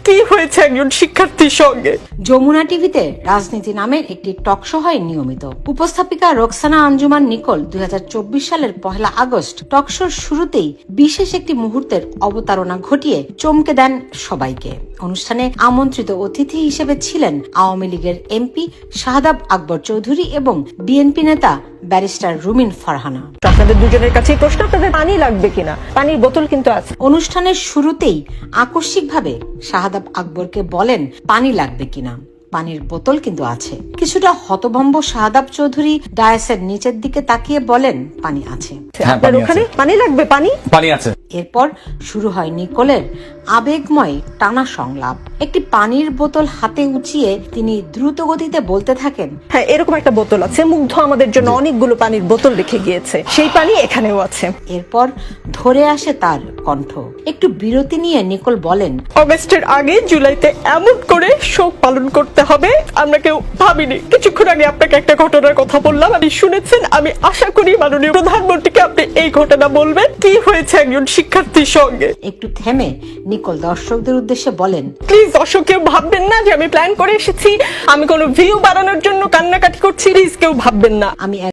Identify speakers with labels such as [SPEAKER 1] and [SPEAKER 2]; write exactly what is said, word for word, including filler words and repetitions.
[SPEAKER 1] কি হয়েছে একজন শিক্ষার্থীর সঙ্গে।
[SPEAKER 2] যমুনা টিভিতে রাজনীতি নামের একটি টক শো হয় নিয়মিত। উপস্থাপিকা রোকসানা আঞ্জুমান নিকোল দুই হাজার চব্বিশ সালের পহেলা আগস্ট টক শোর শুরুতেই বিশেষ একটি মুহূর্তের অবতারণা ঘটিয়ে চমকে দেন সবাইকে। অনুষ্ঠানে আমন্ত্রিত অতিথি হিসেবে ছিলেন আওয়ামী লীগের এমপি শাহাদাব আকবর চৌধুরী এবং বিএনপি নেতা ব্যারিস্টার রুমিন ফারহানা।
[SPEAKER 1] আপনাদের দুজনের কাছে প্রশ্ন, আপনাদের পানি লাগবে কিনা? পানির বোতল কিন্তু আছে।
[SPEAKER 2] অনুষ্ঠানের শুরুতেই আকস্মিকভাবে শাহাদাব আকবরকে বলেন পানি লাগবে কিনা, পানির বোতল কিন্তু আছে। কিছুটা হতভম্ব শাহাদাব চৌধুরী ডায়াসের নিচের দিকে তাকিয়ে বলেন পানি আছে।
[SPEAKER 1] আপনার ওখানে পানি লাগবে? পানি
[SPEAKER 3] পানি আছে।
[SPEAKER 2] এরপর শুরু হয় নিকোলের আবেগময় টানা সংলাপ। একটি পানির বোতল হাতে উঁচিয়ে তিনি দ্রুত গতিতে বলতে থাকেন,
[SPEAKER 1] হ্যাঁ এরকম একটা বোতল আছে। মুগ্ধ আমাদের জন্য অনেকগুলো পানির বোতল রেখে গিয়েছে, সেই পানি এখানেও আছে।
[SPEAKER 2] এরপর ধরে আসে তার কণ্ঠ। একটু বিরতি নিয়ে নিকোল বলেন,
[SPEAKER 1] অগস্টের আগে জুলাইতে এমন করে শোক পালন করতে হবে আমরা কেউ ভাবিনি। কিছুক্ষণ আগে আপনাকে একটা ঘটনার কথা বললাম, আপনি শুনেছেন। আমি আশা করি মাননীয় প্রধানমন্ত্রীকে আপনি এই ঘটনা বলবেন, কি হয়েছে একজন শিক্ষার্থীর সঙ্গে।
[SPEAKER 2] একটু থেমে নিকোল দর্শকদের উদ্দেশ্যে বলেন,
[SPEAKER 1] প্লিজ দর্শক কেউ ভাববেন না যে আমি প্ল্যান করে এসেছি, আমি কোনো ভিউ বাড়ানোর জন্য কান্নাকাটি করছি। প্লিজ কেউ ভাববেন না।
[SPEAKER 2] আমি